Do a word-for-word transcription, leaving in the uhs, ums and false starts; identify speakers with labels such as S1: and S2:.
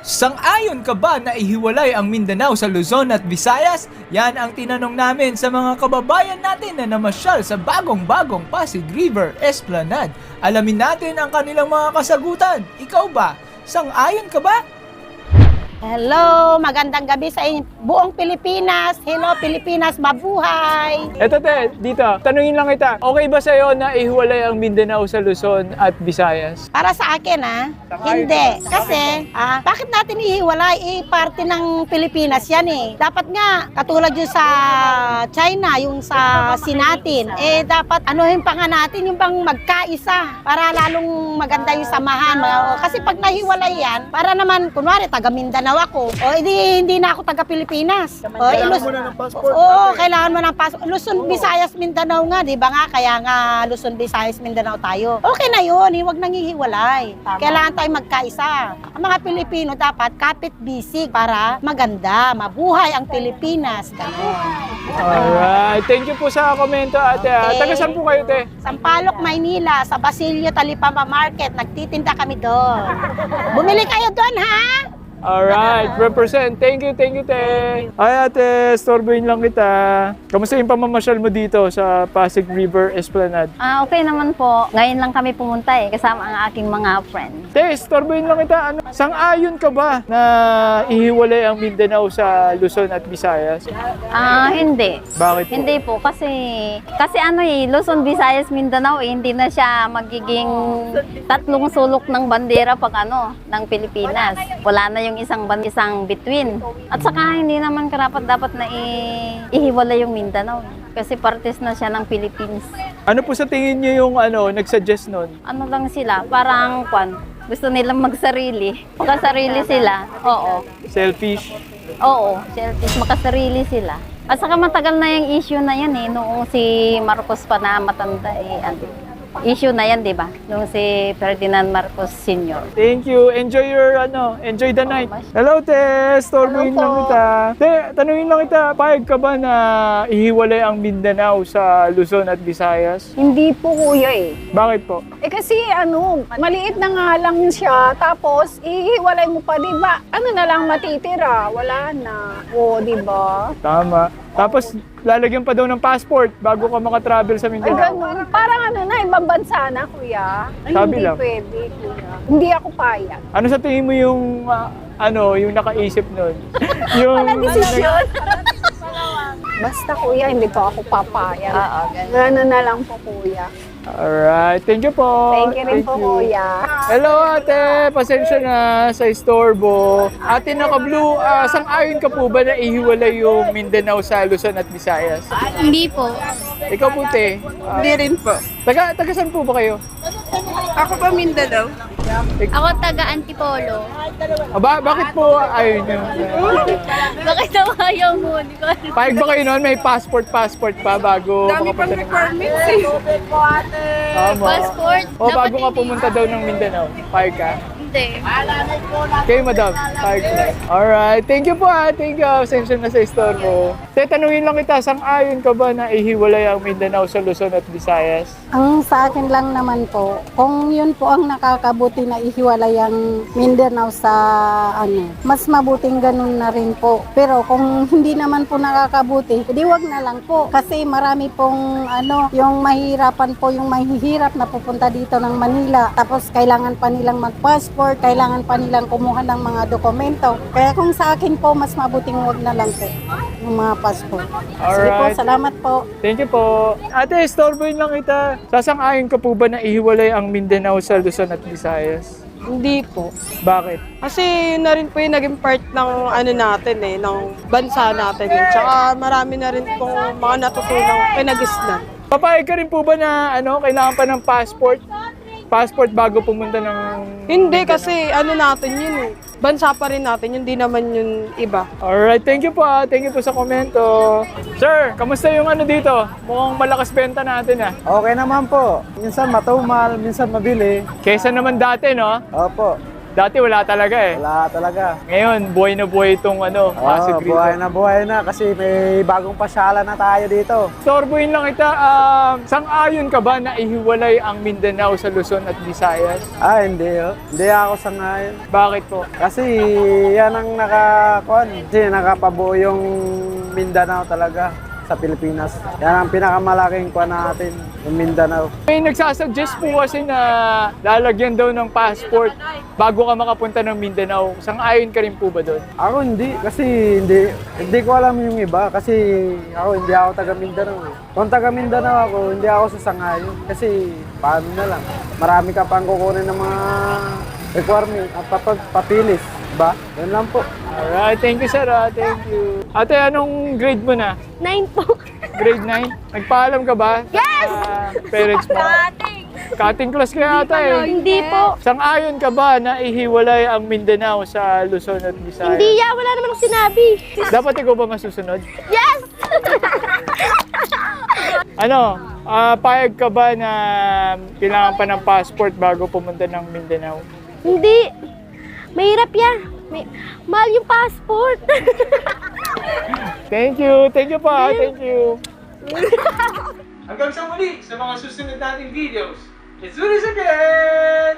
S1: Sang-ayon ka ba na ihiwalay ang Mindanao sa Luzon at Visayas? Yan ang tinanong namin sa mga kababayan natin na namasyal sa bagong-bagong Pasig River Esplanade. Alamin natin ang kanilang mga kasagutan. Ikaw ba? Sang-ayon ka ba?
S2: Hello, magandang gabi sa inyo. Buong Pilipinas. Hello, Pilipinas, mabuhay.
S1: Eto te, dito, tanungin lang kita. Okay ba sa'yo na ihiwalay ang Mindanao sa Luzon at Visayas?
S2: Para sa akin, ha? Hindi. Kasi, ah, bakit natin ihiwalay? Eh, parte ng Pilipinas yan eh. Dapat nga, katulad yung sa China, yung sa Sinatin, eh, dapat anuhin pa nga natin yung bang magkaisa para lalong maganda yung samahan. Kasi pag nahiwalay yan, para naman, kunwari, taga Mindanao ako. O, hindi, hindi na ako taga-Pilipinas. O,
S3: Kailangan
S2: ilus-
S3: mo na ng passport.
S2: Oo, kailangan mo ng passport. Luzon, Visayas, Mindanao nga, di ba nga? Kaya nga, Luzon, Visayas, Mindanao tayo. Okay na yun, huwag nang hihiwalay. Kailangan tayo magkaisa. Ang mga Pilipino dapat kapit-bisig para maganda, mabuhay ang Pilipinas. Ganun.
S1: Alright, thank you po sa komento ate.
S2: Okay.
S1: Taga saan po kayo te?
S2: Sampaloc, Maynila, sa Basilio Talipapa Market, nagtitinda kami doon. Bumili kayo doon, ha?
S1: Alright, represent. Thank you, thank you, te. Ay, ate, storboyin lang kita. Kamusta yung pamamasyal mo dito sa Pasig River Esplanade?
S4: Ah, okay naman po. Ngayon lang kami pumunta eh, kasama ang aking mga friend.
S1: Te, storboyin lang kita. Ano, sang-ayon ka ba na ihiwalay ang Mindanao sa Luzon at Visayas?
S4: Ah, hindi.
S1: Bakit po?
S4: Hindi po kasi kasi ano eh, Luzon, Visayas, Mindanao eh, hindi na siya magiging tatlong sulok ng bandera pag ano, ng Pilipinas. Wala na yung isang ban isang between. At saka hindi naman karapat dapat na i- ihiwalay yung Mindanao kasi partes na siya ng Philippines.
S1: Ano po sa tingin niyo yung ano, nag-suggest nun?
S4: Ano lang sila, parang kwan, gusto nilang magsarili. Makasarili sila. Oo.
S1: Selfish?
S4: Oo, selfish, makasarili sila. At saka matagal na yung issue na yan eh, noong si Marcos pa na matanda eh, ano, issue na yan, di ba? Noong si Ferdinand Marcos Senior
S1: Thank you. Enjoy your, ano, enjoy the night. Hello, te. Storboyin lang kita. Te, tanungin lang kita, payag ka ba na ihiwalay ang Mindanao sa Luzon at Visayas?
S5: Hindi po kuya eh.
S1: Bakit po?
S5: Eh kasi ano, maliit na nga lang siya, tapos ihiwalay mo pa, di ba? Ano na lang matitira? Wala na. O, di ba?
S1: Tama. Tapos, lalagyan pa daw ng passport bago ka makatravel sa
S5: Ay,
S1: Mindanao.
S5: ganun. Parang ano na, ibang bansa na, kuya. Ay,
S1: Sabi
S5: hindi
S1: lang.
S5: pwede, kuya. Hindi ako payag.
S1: Ano sa tingin mo yung, ah, ano, yung nakaisip nun? yung,
S5: Walang desisyon. Basta kuya, hindi po ako papayag.
S4: Oo, ganun.
S5: Gano'n na lang po, kuya.
S1: Alright. Thank you po.
S5: Thank you rin po, kuya.
S1: Hello ate, pasensya na sa istorbo. Ate naka-blue, uh, sang-ayon ka po ba na ihiwalay yung Mindanao sa Luzon at Visayas?
S6: Hindi po.
S1: Ikaw po te, ah,
S6: Hindi rin po.
S1: taga, taga saan po ba kayo?
S6: Ako pa Mindanao. Ako taga Antipolo.
S1: Ah, ba, bakit po ayun nyo?
S6: Bakit daw ayaw mo? Di ba?
S1: Pahig ba kayo noon may passport passport pa bago
S6: Dami pang
S1: makapunta ng...
S6: requirements eh.
S1: Tama.
S6: Passport.
S1: O bago
S6: Dapat
S1: ka
S6: hindi.
S1: pumunta daw ng Mindanao, pahig ka?
S6: Hindi.
S1: Kayo madam, pahig ka. Alright, thank you po ah, thank you. Pasensya na sa istorbo. Te, tanungin lang kita, sang-ayon ka ba na ihiwalay ang Mindanao sa Luzon at Visayas?
S7: Ang sa akin lang naman po, kung yun po ang nakakabuti na ihiwalay ang Mindanao sa ano, mas mabuting ganun na rin po. Pero kung hindi naman po nakakabuti, edi wag na lang po. Kasi marami pong ano, yung mahirapan po, yung mahihirap na pupunta dito ng Manila. Tapos kailangan pa nilang mag-passport, kailangan pa nilang kumuha ng mga dokumento. Kaya kung sa akin po, mas mabuting wag na lang po yung mga passport. Sige po,
S1: Alright.
S7: salamat po.
S1: Thank you po. Ate, istorboyin lang kita. Sasang-ayon ka po ba na ihiwalay ang Mindanao sa Luzon at Visayas?
S8: Hindi po.
S1: Bakit?
S8: Kasi yun na rin po yung naging part ng ano natin eh, ng bansa natin eh. Tsaka marami na rin pong mga natutunang pinagisnan.
S1: Papayag ka rin po ba na ano, kailangan pa ng passport? Passport bago pumunta ng...
S8: Hindi kasi ano natin yun eh. Bansa pa rin natin, hindi naman yun iba.
S1: Alright, thank you po ah. Thank you po sa komento. Sir, kamusta yung ano dito? Mukhang malakas benta natin ah.
S3: Okay naman po. Minsan matumal, minsan mabili.
S1: Kesa naman dati, no?
S3: Opo.
S1: Dati wala talaga eh.
S3: Wala talaga.
S1: Ngayon, buhay na buhay itong ano, Pasig
S3: Oo,
S1: River.
S3: buhay na buhay na kasi may bagong pasyalan na tayo dito.
S1: Sorbuin lang kita, um, sang-ayon ka ba na ihiwalay ang Mindanao sa Luzon at Visayas?
S3: Ah, hindi oh. Hindi ako sangayon.
S1: Bakit po?
S3: Kasi yan ang nakakuan. Kasi nakapabuo yung Mindanao talaga sa Pilipinas. Yan ang pinakamalaking kuan natin, yung Mindanao.
S1: May nagsasuggest po kasi na lalagyan daw ng passport bago ka makapunta ng Mindanao. Sang-ayon ka rin po ba doon?
S3: Ako hindi, kasi hindi, hindi ko alam yung iba. Kasi ako hindi ako taga Mindanao. eh. Kung taga Mindanao ako, hindi ako sasangayon. Kasi paano na lang, marami ka pang kukunin ng mga requirement at papag papilis. Ba? Yan lang po.
S1: Alright, thank you sir, ah. Thank you. Ate, anong grade mo na?
S6: Nine po.
S1: Grade nine? Nagpaalam ka ba? Yes! parents mo? Cutting class kaya ata eh.
S6: Hindi po.
S1: Sang-ayon ka ba na ihiwalay ang Mindanao sa Luzon at Visayas?
S6: Hindi ya, wala naman akong sinabi.
S1: Dapat ikaw ba masusunod?
S6: Yes!
S1: Ano, ah, payag ka ba na kailangan pa ng passport bago pumunta ng Mindanao?
S6: Hindi. Mahirap yan. May, mahal yung passport.
S1: Thank you, thank you pa, thank you. Hanggang sa muli sa mga susunod nating videos. It's Ulis again!